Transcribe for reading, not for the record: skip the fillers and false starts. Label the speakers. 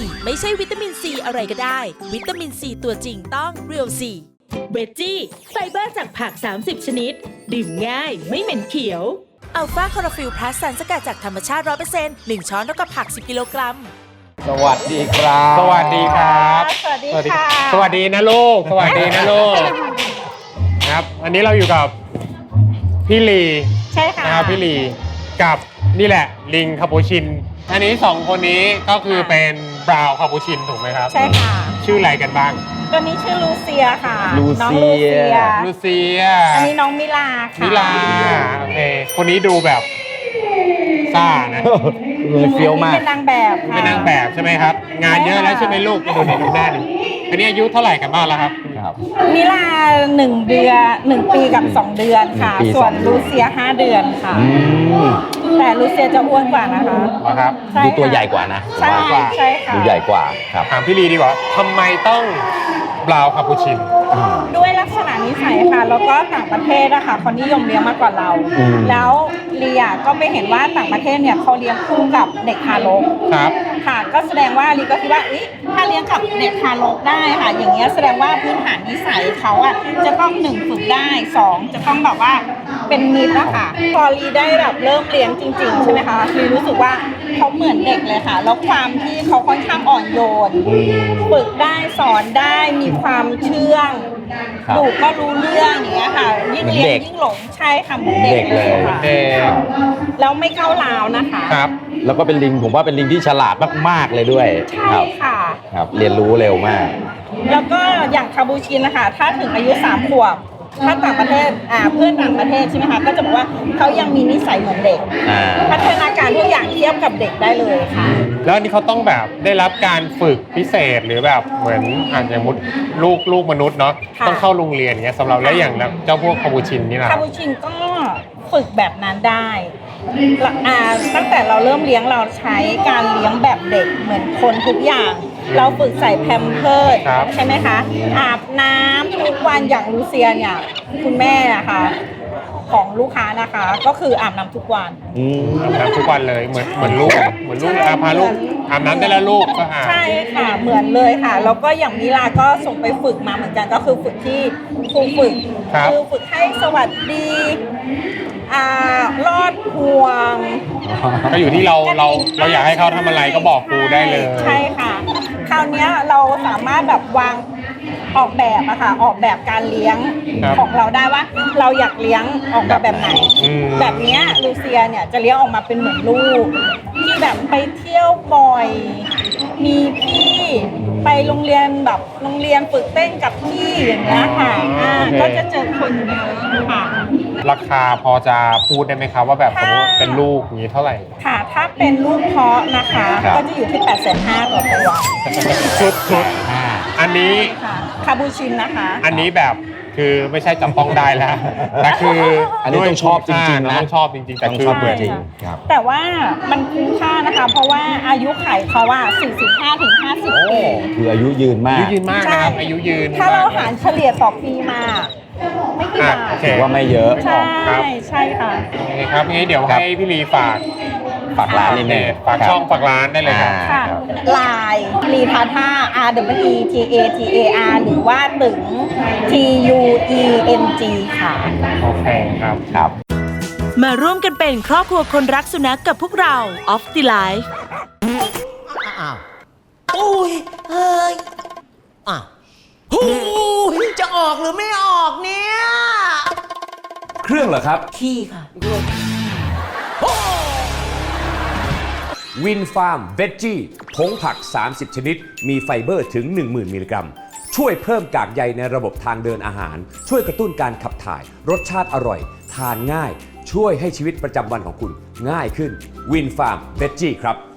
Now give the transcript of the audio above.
Speaker 1: ไม่ใช่วิตามินซีอะไรก็ได้วิตามินซีตัวจริงต้องเรียวซีเวจจี้ไฟเบอร์จากผัก30ชนิดดื่มง่ายไม่เหม็นเขียวอัลฟาคลอโรฟิลพลัสสารสกัดจากธรรมชาติ 100% 1 ช้อนเท่ากับผัก10กิโลกรัม
Speaker 2: สวัสดีครับ
Speaker 3: สวัสดีครับ
Speaker 4: สวัสดีค่ะ
Speaker 3: สวัสดีนะลูก สวัสดีนะลูกครับอันนี้เราอยู่กับพี่ลี
Speaker 4: ใช่ค่ะ
Speaker 3: นะครับพี่ลีกับนี่แหละลิงคาปูชินอันนี้สองคนนี้ก็คือเป็นบราวน์คาปูชินถูกไหมครับ
Speaker 4: ใช่ค่ะ
Speaker 3: ชื่ออะไรกันบ้าง
Speaker 4: ตัวนี้ชื่อลูเซียค่ะ
Speaker 2: ลูเซีย
Speaker 4: น้องลูเซีย
Speaker 3: ลูเซีย
Speaker 4: อันนี้น้องมิลาค่ะ
Speaker 3: มิลาโอเคคนนี้ดูแบบซ่านะ
Speaker 2: เลยเฟี้ยวมาก
Speaker 4: เป็นนางแบบค่ะ
Speaker 3: เป็นนางแบบใช่ไหมครับ งานเยอะแล้วใช่ไหมลูกดูในดูหน้าดิอันนี้อายุเท่าไหร่กันบ้างแล้วครับ
Speaker 2: ครับ
Speaker 4: มิลา1 เดือน1 ปีกับ 2 เดือนค่ะ
Speaker 2: 1 ปี
Speaker 4: ส่วน
Speaker 2: 2 เดือน
Speaker 4: ลูเซีย5 เดือนค่ะ
Speaker 2: อืม
Speaker 4: แต่ลูเซียจะอ้วนกว่านะคะ
Speaker 3: เหรอครับ
Speaker 4: ใช่
Speaker 2: ดู
Speaker 4: ค่ะ
Speaker 2: ตัวใหญ่กว่านะ
Speaker 4: ใช่
Speaker 3: กว่า
Speaker 4: ใช่ค่ะ
Speaker 2: ดูใหญ่กว่าครับ
Speaker 3: ถามพี่ลีดีกว่าทำไมต้องบราวน์คาปูชิน
Speaker 4: ด้วยลักษณะนิสัยค่ะ แล้วก็ต่างประเทศนะคะเขานิยมเลี้ยงมากกว่าเรา
Speaker 2: อืม
Speaker 4: แล้วเลียก็ไปเห็นว่าต่างประเทศเนี่ยเขาเลี้ยงคู่กับเด็กทารก
Speaker 3: ครับ
Speaker 4: ค่ะก็แสดงว่าลีก็คิดว่าถ้าเลี้ยงกับเด็กทารกได้ค่ะ อย่างเงี้ยแสดงว่าพื้นฐานนิสัยเขาอ่ะจะต้อง1ฝึกได้2จะต้องแบบว่าเป็นมิตรนะคะพอลีได้แบบเริ่มเลี้ยงจริง ๆ ใช่ไหมคะลีรู้สึกว่าเขาเหมือนเด็กเลยค่ะ แล้วความที่เขาค่อนข้างอ่อนโยนฝึกได้สอนได้มีความเชื่อง
Speaker 2: ครับ
Speaker 4: ดูก็รู้เรื่องอย่างเงี้ยค่ะยิ่งเลี้ยงยิ่งหลงใช่ค่ะเหมือนเด็กเลยค่ะ
Speaker 3: เด็ก
Speaker 4: แล้วไม่ก้าวร้าวนะคะ
Speaker 3: ครับ
Speaker 2: แล้วก็เป็นลิงผมว่าเป็นลิงที่ฉลาดมากๆเลยด้วย
Speaker 4: ใช่
Speaker 2: ครับ
Speaker 4: ค่ะ
Speaker 2: ครับ เรียนรู้เร็วมาก
Speaker 4: แล้วก็อย่างคาบูชินนะคะถ้าถึงอายุ3 ขวบถ้าต่างประเทศเพื่อนต่างประเทศใช่ไหมคะก็จะบอกว่าเขายังมีนิสัยเหมือนเด็ก
Speaker 2: อ่า
Speaker 4: พัฒนาการทุกอย่างเทียบกับเด็กได้เลยค่ะ
Speaker 3: แล้วอันนี้เขาต้องแบบได้รับการฝึกพิเศษหรือแบบเหมือนอย่างมุดลูกมนุษย์เนาะ
Speaker 4: ค่ะ
Speaker 3: ต้องเข้าโรงเรียนอย่างเงี้ยสำหรับแล้วอย่างเจ้าพวกคาปูชินนี่นะ
Speaker 4: คาบูชินก็ฝึกแบบนั้นได้ตั้งแต่เราเริ่มเลี้ยงเราใช้การเลี้ยงแบบเด็กเหมือนคนทุกอย่าง เราฝึกใส่แพมเพิร์สใช่ไหมคะอาบน้ำทุกวันอย่างลูเซียเนี่ยคุณแม่นะคะของลูกค้านะคะ ก็คืออาบน้ำทุกวัน
Speaker 2: อืม
Speaker 3: อาบน้ำทุกวันเลยเหมือนลูกพาลูกอาบน้ำได้แล้วลูกก็อาบ
Speaker 4: ใช่ค่ะเหมือนเลยค่ะ แล้วก็อย่างมิลาก็ส่งไปฝึกมาเหมือนกันก็คือฝึกที่ครูฝึก
Speaker 3: ครับ
Speaker 4: คือฝึกให้สวัสดีรอดห่วง
Speaker 3: ก็อยู่ที่เราอยากให้เขาทำอะไรก็บอกครูได้เลย
Speaker 4: ใช่ค่ะ คราวเนี้ยเราสามารถแบบวางออกแบบอะค่ะออกแบบการเลี้ยง
Speaker 3: ครับ
Speaker 4: ของเราได้ว่าเราอยากเลี้ยงออกมาแบบไหน
Speaker 3: อืม
Speaker 4: แบบเนี้ยลูเซียเนี่ยจะเลี้ยงออกมาเป็นเหมือนลูกที่แบบไปเที่ยวบ่อย มีพี่ไปโรงเรียนแบบโรงเรียนฝึกเต้นกับพี่อย่างเงี้ยค่ะก็จะเจอคนเยอะค่ะ
Speaker 3: ราคาพอจะพูดได้ไหมครับว่าแบบสมมติเป็นลูกอย่างนี้เท่าไหร่
Speaker 4: ค่ะถ้าเป็นลูกเพาะนะคะ
Speaker 2: ครับ
Speaker 4: ก็จะอยู่ที่ 850,000ต่อตัว
Speaker 3: ชุดอันนี้
Speaker 4: ค่ะคาบูชินนะคะ
Speaker 3: อันนี้แบบคือไม่ใช่จับต้องได้แล้วแต่คือ
Speaker 2: อันนี้ต้องชอบจริงๆนะ
Speaker 3: ต้องชอบจริงๆแต่
Speaker 2: ต้อง
Speaker 3: คือ
Speaker 2: ชอบ
Speaker 3: เหมือน
Speaker 2: จริงครับ
Speaker 4: แต่ว่ามันคุ้มค่านะคะ เพราะว่าอายุไขเขาว่า 45 ถึง 50 ปี
Speaker 2: คืออายุยืนมา
Speaker 3: อายุ
Speaker 2: ก
Speaker 3: ยืนมากนะครับอายุยืน
Speaker 4: ถ้าเราหารเฉลี่ยต่อปีมา ไม่กี่บาท
Speaker 3: โอเค
Speaker 2: ถือว่าไม่เยอะ
Speaker 4: ใช่
Speaker 3: ครับ
Speaker 4: ใช่ค่ะ
Speaker 3: โอเคครับงั้นเดี๋ยว
Speaker 2: ครับ
Speaker 3: ให้พี่ลีฝาก
Speaker 2: ฝากร้านนิดนึง
Speaker 3: ฝากช่องฝากร้านได้เลยครับ
Speaker 4: ค่ะ
Speaker 2: ครับ
Speaker 4: ลายลีทาท่า R W E T A T A R หรือว่าถึง T U E N G ค่ะ
Speaker 3: โอเคครับ
Speaker 2: ครับ
Speaker 1: มาร่วมกันเป็นครอบครัวคนรักสุนัขกับพวกเรา Off the Life
Speaker 5: อุ้ยเฮ้ยอ่ะหูยจะออกหรือไม่ออกเนี่ย
Speaker 6: เครื่องเหรอครับ
Speaker 5: ขี้ค่ะ
Speaker 6: วินฟาร์มเวจจี้ผงผัก 30 ชนิด มีไฟเบอร์ถึง 10,000 มิลลิกรัม ช่วยเพิ่มกากใยในระบบทางเดินอาหาร ช่วยกระตุ้นการขับถ่าย รสชาติอร่อย ทานง่าย ช่วยให้ชีวิตประจำวันของคุณง่ายขึ้นวินฟาร์มเวจจี้ครับ